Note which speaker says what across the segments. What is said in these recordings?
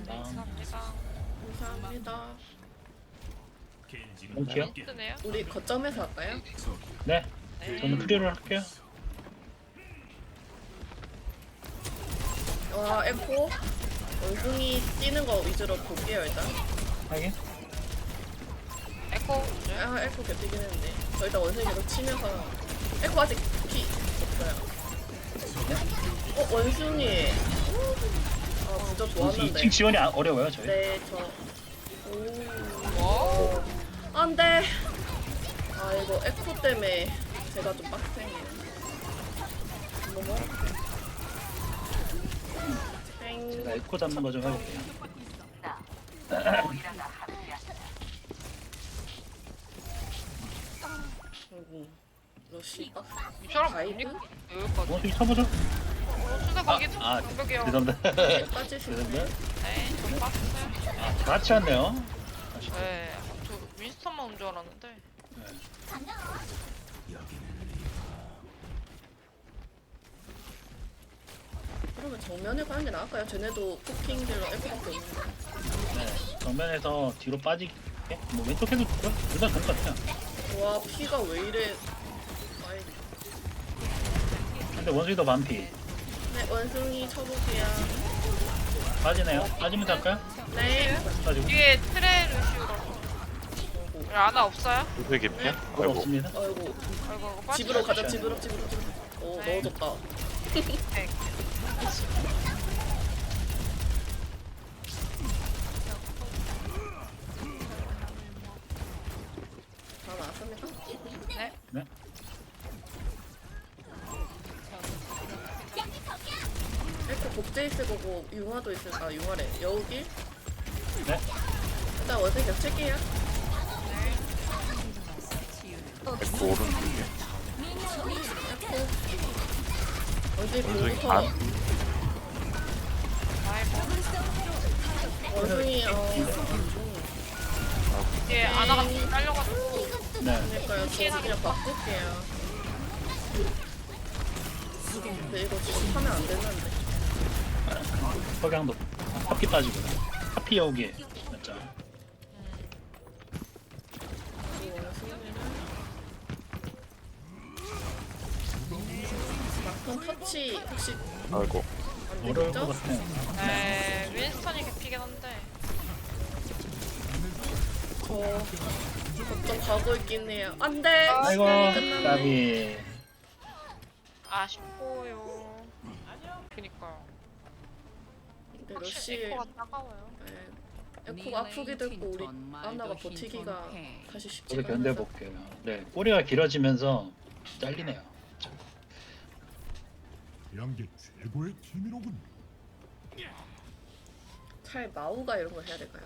Speaker 1: 감사합니다.
Speaker 2: 감사합니다.
Speaker 3: 몽키요?
Speaker 1: 뜨네요.
Speaker 2: 우리 거점에서 할까요?
Speaker 3: 네.
Speaker 1: 네.
Speaker 3: 저는 프리로 할게요.
Speaker 2: 와 에코 원숭이 뛰는 거 위주로 볼게요 일단.
Speaker 3: 확인.
Speaker 1: 에코.
Speaker 2: 아 에코 개뛰긴 했는데 저 일단 원숭이 계속 치면서 에코 아직 피 없어요. 원숭이 아 부적
Speaker 3: 원수
Speaker 2: 좋았는데
Speaker 3: 2층 지원이 어려워요 저희.
Speaker 2: 네저
Speaker 1: 오.
Speaker 2: 안돼 아 이거 에코 때문에 제가 좀 빡세네요. 뭐뭐
Speaker 3: 제가 에코 잡는 거 좀 해볼게요.
Speaker 2: 아이고 러쉬
Speaker 1: 이 사람
Speaker 2: 가이드?
Speaker 1: 뭡니까? 여기까지.
Speaker 3: 원숭이 쳐보죠.
Speaker 1: 수다 거기
Speaker 3: 아,
Speaker 1: 공격이요.
Speaker 3: 죄송합니다.
Speaker 2: 빠지시네.
Speaker 3: 죄송합니다.
Speaker 1: 네, 좀 빠졌어요.
Speaker 3: 아, 다 같이 왔네요.
Speaker 1: 네, 저 윈스턴만 온 줄 알았는데.
Speaker 2: 그러면 정면에 가는 게 나을까요? 쟤네도 포킹 딜러 에코밖에 없는데.
Speaker 3: 네, 정면에서 뒤로 빠지게. 뭐 왼쪽 해도 좋고요. 둘다 좋은 것 같아요.
Speaker 2: 와 피가 왜 이래? 아이,
Speaker 3: 근데 원숭이도 반피.
Speaker 2: 네 원숭이 쳐볼게요.
Speaker 3: 빠지네요. 빠지면 할까요?
Speaker 2: 네.
Speaker 3: 빠지고.
Speaker 1: 뒤에 트레르슈라고. 아나 없어요?
Speaker 4: 누구의 개피야?
Speaker 3: 그거
Speaker 4: 아이고.
Speaker 3: 없습니다.
Speaker 2: 아이고
Speaker 1: 아이고, 빠지.
Speaker 2: 집으로 가자 집으로. 오
Speaker 1: 네.
Speaker 2: 넣어줬다.
Speaker 1: 네.
Speaker 2: 다 나왔습니까?
Speaker 1: 네.
Speaker 3: 네.
Speaker 2: 에코 복제 있을 거고 융화도 있을 아 융화래 여우길?
Speaker 3: 네.
Speaker 2: 일단 원숭이 계속 칠게요.
Speaker 4: 에코 오른쪽에.
Speaker 2: 원숭이
Speaker 4: 원숭이
Speaker 2: 공부터
Speaker 4: 반.
Speaker 1: 아이고.
Speaker 2: 원숭이
Speaker 1: 뒤에 아나가 딸려가지고.
Speaker 3: 네.
Speaker 2: 그러니까요 저 그냥 바꿀게요. 근데 이거 지금 하면 안 되는데.
Speaker 3: 석양도. 하피 빠지고. 하피 여기에. 맞죠?
Speaker 2: 이 원숭이는 막판 터치 혹시
Speaker 4: 아이고.
Speaker 2: 안
Speaker 3: 어려울 것
Speaker 2: 되겠죠?
Speaker 3: 같아요.
Speaker 1: 네, 윈스턴이 개피긴 한데.
Speaker 2: 저 걱정 가고 있긴 해요. 안 돼!
Speaker 3: 아이고,
Speaker 2: 끝났네.
Speaker 3: 나비.
Speaker 1: 아쉽고요. 그니까요.
Speaker 2: 근데
Speaker 1: 확실히
Speaker 2: 러쉬
Speaker 1: 에코가 따가워요.
Speaker 2: 에코가 아프기도 했고 우리 안나가 버티기가 사실 쉽지가
Speaker 3: 저도
Speaker 2: 않아서
Speaker 3: 견뎌볼게요. 네. 꼬리가 길어지면서 잘리네요.
Speaker 5: 양계 최고의 팀이로군.
Speaker 2: 차라리 마우가 이런 걸 해야 될까요?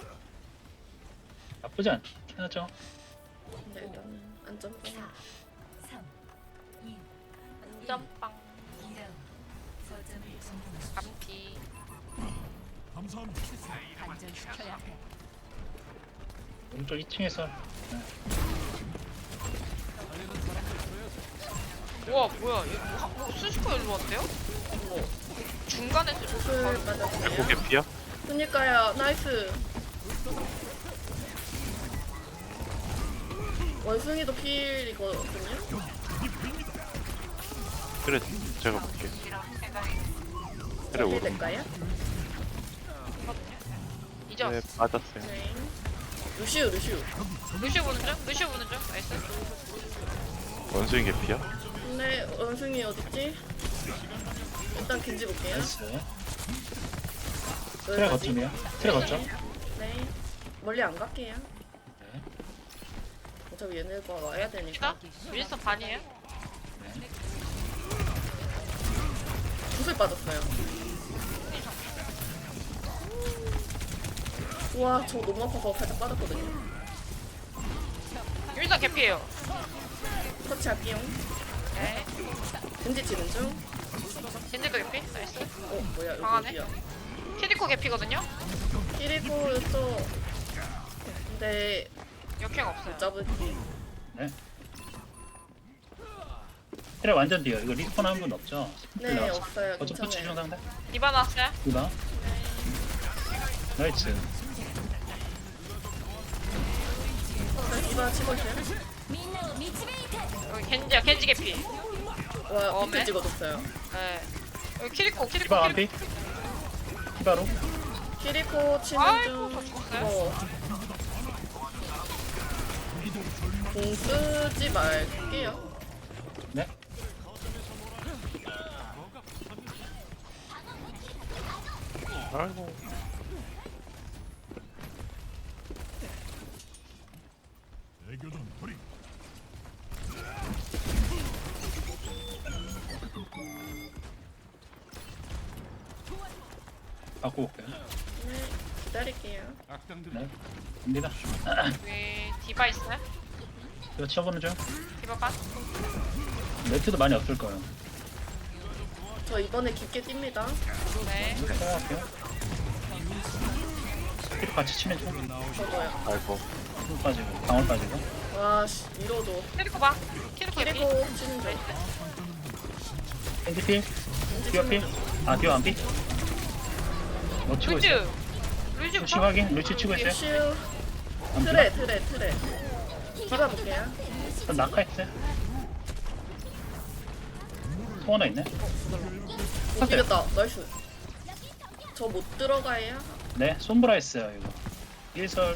Speaker 3: 나쁘지 않긴 하죠.
Speaker 2: 근데 일단은 안전빵
Speaker 1: 안전빵. 감피.
Speaker 5: 감사합니다.
Speaker 3: 오른쪽 2층에서
Speaker 1: 우와, 뭐야. 이거 순식간에 일로 왔대요?
Speaker 2: 뭐
Speaker 1: 중간에
Speaker 2: 구슬
Speaker 4: 에코
Speaker 2: 맞았어요?
Speaker 4: 개피야?
Speaker 2: 그니까요 나이스 원숭이도 필이거든요?
Speaker 4: 그래, 제가 볼게. 그래, 오른.
Speaker 2: 될까요?
Speaker 1: 이제
Speaker 4: 네,
Speaker 1: 왔어.
Speaker 4: 맞았어요.
Speaker 2: 네 루시우
Speaker 1: 루시오 보는 중? 루시오 보는 중? 나이스.
Speaker 4: 원숭이 개피야?
Speaker 2: 근데 원숭이 어딨지? 일단 겐지 볼게요
Speaker 3: 나이스. 트레
Speaker 2: 여기까지.
Speaker 3: 거점이요. 트레 거점.
Speaker 2: 네 멀리 안 갈게요
Speaker 3: 네.
Speaker 2: 어차피 얘네가 와야 되니까
Speaker 1: 시다? 윈스턴 반이에요?
Speaker 2: 구슬 빠졌어요 우와 저 너무 아파서 살짝 빠졌거든요
Speaker 1: 윈스턴 개피예요.
Speaker 2: 터치할게요
Speaker 1: 네.
Speaker 2: 겐지 치는 중
Speaker 1: 젠지도 개피? 나이스.
Speaker 2: 뭐야
Speaker 1: 강하네.
Speaker 2: 여기야
Speaker 1: 키리코 개피거든요?
Speaker 2: 키리코 또 근데
Speaker 1: 역행 없어요.
Speaker 2: 잡을게
Speaker 3: 네. 트레 완전 뒤요. 이거 리스폰 한 분 없죠?
Speaker 2: 네 없어요
Speaker 3: 거점 터치 중
Speaker 2: 괜찮아요
Speaker 3: 상대.
Speaker 1: 디바 나왔어요?
Speaker 3: 누나. 나이스.
Speaker 2: 이봐 치고 있어요.
Speaker 1: 여기 겐지야, 겐지 개피.
Speaker 2: 와
Speaker 1: 네.
Speaker 2: 비트 찍어줬어요.
Speaker 1: 네. 여기 키리코, 키리코,
Speaker 3: 디바 안피.
Speaker 1: 키리코.
Speaker 3: 디바로.
Speaker 2: 키리코 치는
Speaker 1: 아이고,
Speaker 2: 중.
Speaker 1: 저 죽었어요?
Speaker 2: 공 쓰지 말게요.
Speaker 3: 네.
Speaker 4: 아이고.
Speaker 5: 대교전 돌입.
Speaker 3: 바꾸고 올게요.
Speaker 2: 네 기다릴게요.
Speaker 3: 네. 갑니다.
Speaker 1: 여기 디바 있어요?
Speaker 3: 이거 치워보는 중.
Speaker 1: 디바 반?
Speaker 3: 매트도 많이 없을 거예요.
Speaker 2: 저 이번에 깊게 뜁니다.
Speaker 1: 네.
Speaker 3: 성공할게요. 스피드 같이 치면 좀
Speaker 2: 저도요.
Speaker 4: 아이고.
Speaker 3: 힘 빠지고 방울 빠지고.
Speaker 2: 와씨 밀어도
Speaker 1: 키리코 봐. 키리코 개피.
Speaker 2: 키리코 치는 중.
Speaker 3: 핸드필. 디어 필. 아 디어 안 필. 뭐 치고
Speaker 1: 루즈.
Speaker 3: 있어요?
Speaker 1: 루즈
Speaker 3: 루치
Speaker 1: 봐.
Speaker 3: 확인. 루치 치고 있어요.
Speaker 2: 슈
Speaker 3: 안
Speaker 2: 트레. 디바 볼게요.
Speaker 3: 전 낙하했어요. 또 하나 있네.
Speaker 2: 못 이겼다. 나이스. 저 못 들어가요.
Speaker 3: 네, 솜브라 했어요 이거. 일설.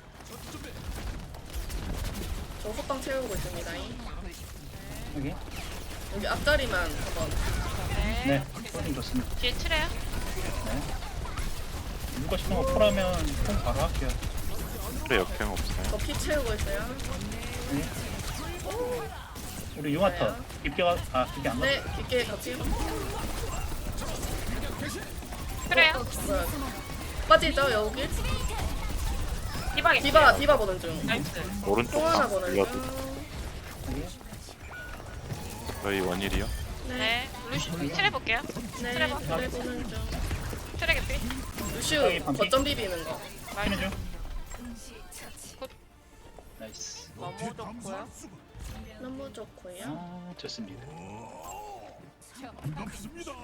Speaker 2: 저 호빵 채우고 있습니다.
Speaker 3: 여기.
Speaker 2: 여기 앞다리만 한번.
Speaker 1: 네.
Speaker 3: 네, 훨씬 좋습니다.
Speaker 1: 뒤에 칠해요?
Speaker 3: 네. 누가 싶은 거 콜하면 콜 바로 할게요.
Speaker 4: 그래 역행 없어요.
Speaker 2: 저 피 채우고 있어요.
Speaker 3: 네. 우리 융화터 깊게 가, 깊게 안 가.
Speaker 2: 네 깊게 같이.
Speaker 1: 그래요?
Speaker 2: 뭐야. 빠지죠 여기.
Speaker 1: 디바 개피.
Speaker 2: 디바 보는 중.
Speaker 1: 나이스.
Speaker 4: 오른쪽
Speaker 2: 또 하나
Speaker 4: 방
Speaker 2: 보는
Speaker 4: 눌러도
Speaker 2: 중.
Speaker 3: 여기.
Speaker 4: 저희 원일이요.
Speaker 1: 네. 루시 칠해 볼게요.
Speaker 2: 네
Speaker 1: 트레버.
Speaker 2: 트레 보는 중.
Speaker 1: 칠해 개피.
Speaker 2: 루슈 거점 비비는 거.
Speaker 3: 치는
Speaker 1: 나이스.
Speaker 3: 중. 나이스.
Speaker 1: 너무 좋고요.
Speaker 2: 너무 좋고요.
Speaker 3: 아, 좋습니다.
Speaker 5: 반갑습니다.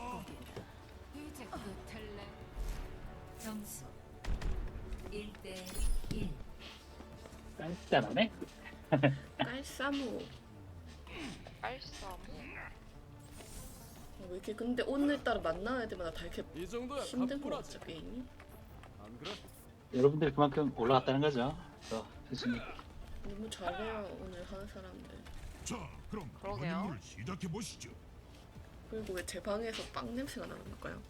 Speaker 6: 점수 1대1.
Speaker 3: 깐깐하네.
Speaker 2: 깔싸무.
Speaker 1: 알싸.
Speaker 2: 왜 이렇게 근데 오늘따라 만나야 때마다 다 이렇게 힘든 거 같죠 게임이?
Speaker 3: 여러분들 그만큼 올라갔다는 거죠. 교수님.
Speaker 2: 너무 잘해요 오늘 하는 사람들.
Speaker 5: 자, 그럼
Speaker 1: 그러게요.
Speaker 5: 연임을 시작해 보시죠.
Speaker 2: 그리고 왜 제 방에서 빵 냄새가 나는 걸까요?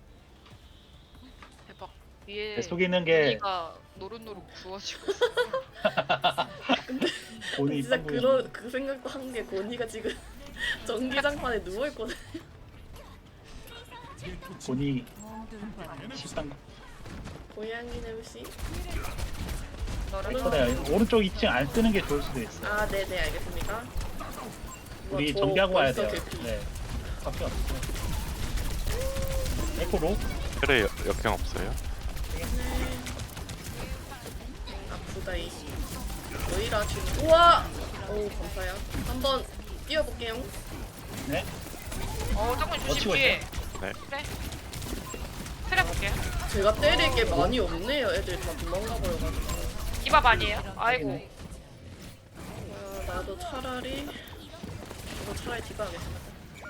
Speaker 1: 대박. 위에
Speaker 3: 내 속에 있는 게
Speaker 1: 고기가 노릇노릇 구워지고 있어.
Speaker 3: 본이
Speaker 2: 진짜
Speaker 3: 빵
Speaker 2: 그런 그 생각도 한 게 고니가 지금 전기장판에 누워 있거든.
Speaker 3: 본이 식당
Speaker 2: 고양이 냄새.
Speaker 1: 너를
Speaker 3: 그래요. 오른쪽 2층 안 쓰는 게 좋을 수도 있어요.
Speaker 2: 아 네네 알겠습니다.
Speaker 3: 우리
Speaker 2: 저
Speaker 3: 정비하고 와야 돼요.
Speaker 2: 벌써 개피.
Speaker 3: 네. 밖에 없어요. 에코로
Speaker 4: 그래 역행 없어요.
Speaker 2: 네. 아프다 이. 너희라 지금. 우와. 오 감사해요. 한번 뛰어볼게요.
Speaker 3: 네.
Speaker 1: 조금 조심
Speaker 3: 치고
Speaker 1: 뒤에.
Speaker 4: 네.
Speaker 1: 그래. 트레 볼게요.
Speaker 2: 제가 때릴 게 많이 없네요. 애들 다 도망가 버려가지고.
Speaker 1: 디바 반이에요. 아이고.
Speaker 2: 아, 나도 차라리 디바 하겠습니다.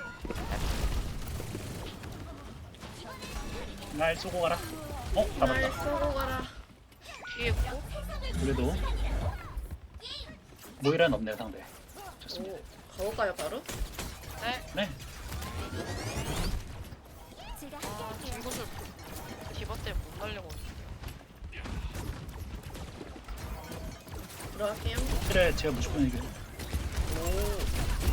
Speaker 3: 날 쏘고 가라.
Speaker 2: 날
Speaker 3: 잡았다.
Speaker 2: 쏘고 가라.
Speaker 1: 뒤에 있고.
Speaker 3: 그래도 모이라는 없네요 상대. 좋습니다.
Speaker 2: 오, 가볼까요 바로?
Speaker 1: 네.
Speaker 3: 네.
Speaker 1: 아, 친구들 디바 때문에 못 날려고.
Speaker 2: 들어갈게요.
Speaker 3: 그래 제가 무조건 이겨.
Speaker 2: 오.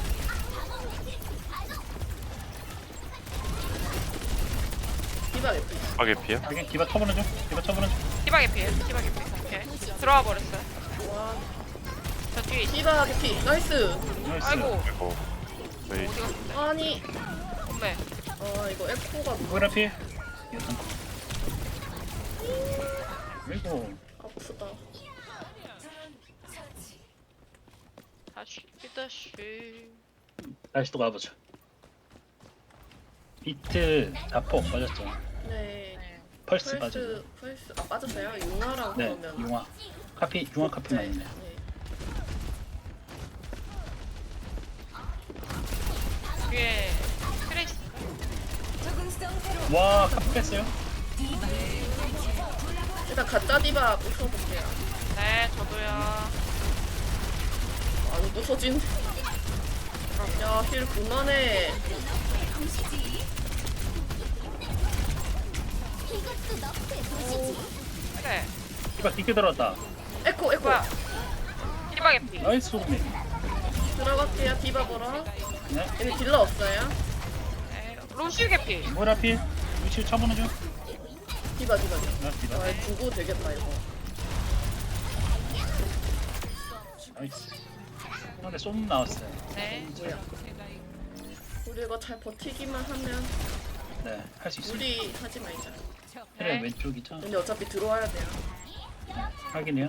Speaker 2: 디바 예쁘.
Speaker 4: 파괴피야?
Speaker 3: 여기 디바 쳐보는 중. 디바 쳐보는 중.
Speaker 1: 디바 개피에요. 디바 개피. 오케이. 들어와 버렸어요.
Speaker 2: 와.
Speaker 1: 저 뒤에 있어.
Speaker 2: 디바 개피. 나이스.
Speaker 3: 나이스.
Speaker 1: 아이고.
Speaker 4: 아이고. 저희
Speaker 1: 어디 갔는데?
Speaker 2: 아니.
Speaker 1: 엄매.
Speaker 2: 아 이거 에코가
Speaker 3: 모이라 피. 아이고.
Speaker 2: 아프다.
Speaker 1: 다시.
Speaker 3: 다시 또 가보죠. 비트 자폭 빠졌죠.
Speaker 2: 네.
Speaker 1: 네.
Speaker 3: 펄스 빠지고.
Speaker 2: 펄스 아 빠졌어요? 융화랑
Speaker 3: 네,
Speaker 2: 그러면
Speaker 3: 융화. 융화 카피만 있네요.
Speaker 1: 위에 트레이스.
Speaker 3: 와, 카피 뺐어요?
Speaker 2: 일단 가짜 디바 부숴볼게요.
Speaker 1: 네, 저도요.
Speaker 2: 안 부서진. 야, 힐 그만해.
Speaker 1: 그래.
Speaker 3: 디바 깊게 들어왔다.
Speaker 2: 에코
Speaker 1: 뭐야? 힐박 에피.
Speaker 3: 나이스 소금이.
Speaker 2: 들어갈게요. 디바 보러.
Speaker 3: 네.
Speaker 2: 얘는 딜러 없어요.
Speaker 1: 네, 루시우 개피.
Speaker 3: 뭐라필? 위치 쳐보는 중.
Speaker 2: 디바.
Speaker 3: 나 디바.
Speaker 2: 아, 두고 되겠다 이거.
Speaker 3: 나이스. 근데 쏨 나왔어요.
Speaker 1: 네.
Speaker 2: 뭐야? 우리 이거 잘 버티기만 하면
Speaker 3: 네, 할 수 있어요.
Speaker 2: 우리 하지 말자.
Speaker 3: 트레
Speaker 1: 네.
Speaker 3: 왼쪽이죠?
Speaker 2: 근데 어차피 들어와야 돼요.
Speaker 3: 확인해요.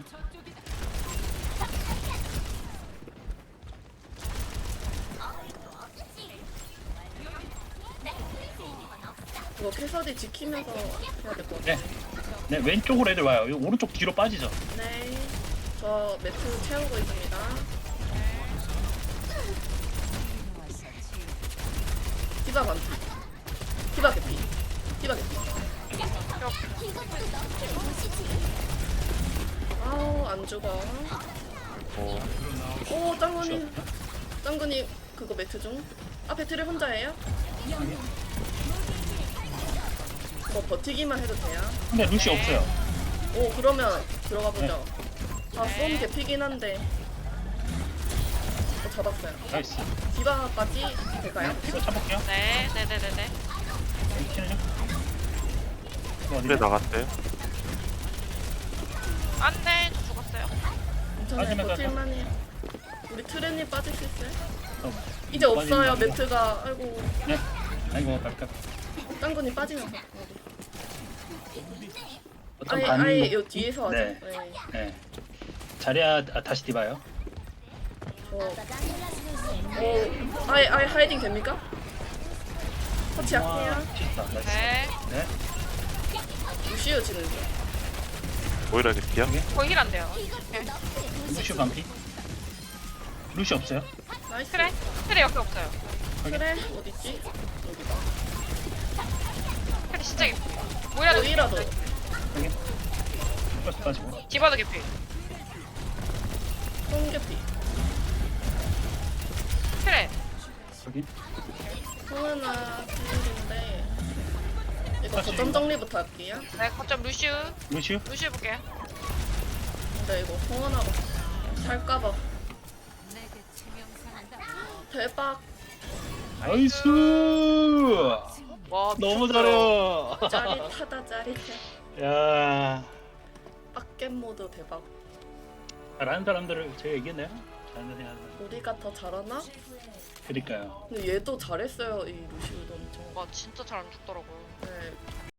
Speaker 2: 이거 캐서디 지키면서 해야 될 것 같아.
Speaker 3: 네. 네, 왼쪽으로 애들 와요. 이 오른쪽 뒤로 빠지죠.
Speaker 2: 네. 저 매트 채우고 있습니다. 디바 반피. 디바 개피. 디바 개피. 아우 안 죽어.
Speaker 4: 오,
Speaker 2: 오 짱구니. 짱구니 그거 매트 중. 앞에 트레 혼자예요? 뭐 버티기만 해도 돼요.
Speaker 3: 근데 루시 없어요.
Speaker 2: 오 그러면 들어가 보죠. 아 쏨 개피긴 한데. 잡았어요.
Speaker 3: 나이스.
Speaker 2: 디바까지 될까요?
Speaker 3: 이거 쳐볼게요.
Speaker 1: 네, 네네네네.
Speaker 3: 여기 키는 중. 이거
Speaker 4: 트레
Speaker 3: 어디야?
Speaker 4: 나갔어요?
Speaker 1: 안 돼, 저 죽었어요.
Speaker 2: 괜찮아요.
Speaker 3: 빠지면
Speaker 2: 버틸만해요. 우리 트레님 빠질 수 있어요?
Speaker 3: 어,
Speaker 2: 이제 없어요.
Speaker 3: 빠지면
Speaker 2: 매트가. 아이고
Speaker 3: 네. 아이고, 갈까.
Speaker 2: 짱구님 빠지면서.
Speaker 3: 어떤
Speaker 2: 아예
Speaker 3: 반.
Speaker 2: 아예 요 뒤에서 하죠.
Speaker 3: 네.
Speaker 2: 네.
Speaker 3: 네. 자리야, 다시 디바요.
Speaker 2: 아예 하이딩 됩니까? 터치 할게요.
Speaker 3: 좋다. 나이스.
Speaker 1: 네.
Speaker 3: 네.
Speaker 2: 루시오 지는 중.
Speaker 4: 오히려 개피야?
Speaker 1: 거의 힐 안 돼요. 네.
Speaker 3: 루시 반피. 루시 없어요?
Speaker 2: 나이스.
Speaker 1: 그래. 트레 옆에 없어요.
Speaker 2: 그래 어딨지? 여기다.
Speaker 1: 트레 진짜 개피. 뭐라도
Speaker 2: 여기라도.
Speaker 3: 여기. 플러스 빠지고.
Speaker 1: 디바도 개피.
Speaker 2: 송개피.
Speaker 1: 트레.
Speaker 3: 여기.
Speaker 2: 성은아 필인데 이거
Speaker 3: 다시
Speaker 2: 거점 정리부터 할게요.
Speaker 1: 네, 거점 루시우.
Speaker 3: 루시우?
Speaker 1: 루시우 볼게요.
Speaker 2: 근데 이거 성은아가 살까봐. 대박.
Speaker 3: 나이스!
Speaker 1: 와,
Speaker 3: 너무
Speaker 1: 미쳤어요.
Speaker 3: 잘해.
Speaker 2: 짜릿하다 짜릿해.
Speaker 3: 야,
Speaker 2: 빡겜 모드 대박.
Speaker 3: 잘하는 사람들을 제가 얘기했나요? 잘하는 사람들.
Speaker 2: 우리가 더 잘하나?
Speaker 3: 그러니까요.
Speaker 2: 근데 얘도 잘했어요 이 루시우도 엄청.
Speaker 1: 와, 진짜 잘 안 죽더라고요.
Speaker 2: 네.